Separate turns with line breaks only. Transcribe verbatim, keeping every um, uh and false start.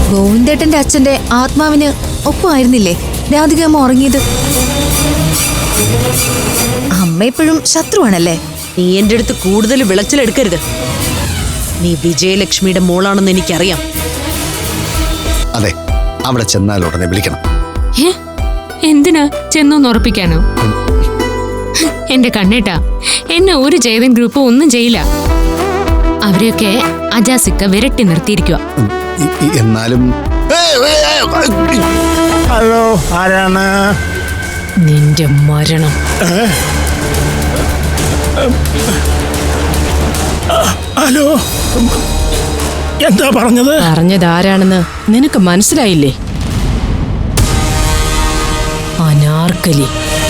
ഗോവിന്ദേട്ടന്റെ അച്ഛന്റെ ആത്മാവിന് ഒപ്പമായിരുന്നില്ലേ രാധികമ്മ ഉറങ്ങിയത്? അമ്മ എപ്പോഴും ശത്രുവാണല്ലേ?
നീ എന്റെ അടുത്ത് കൂടുതൽ വിളച്ചിലെടുക്കരുത്. നീ വിജയലക്ഷ്മിയുടെ മോളാണെന്ന് എനിക്കറിയാം.
അതെ, അവിടെ ചെന്നാൽ ഉടനെ വിളിക്കണം.
എന്തിനാ ചെന്നൊന്ന് ഉറപ്പിക്കാനോ? എന്റെ കണ്ണേട്ടാ, എന്നെ ഒരു ജയതൻ ഗ്രൂപ്പ് ഒന്നും ചെയ്യില്ല. അവരെയൊക്കെ അജാസിക്ക വിരട്ടി നിർത്തിയിരിക്കുക.
എന്നാലും
ഹലോ, ആരാണ്?
നിന്റെ മരണം.
ഹലോ, എന്താ പറഞ്ഞത്?
പറഞ്ഞത് ആരാണെന്ന് നിനക്ക് മനസ്സിലായില്ലേ? അനാർക്കലി.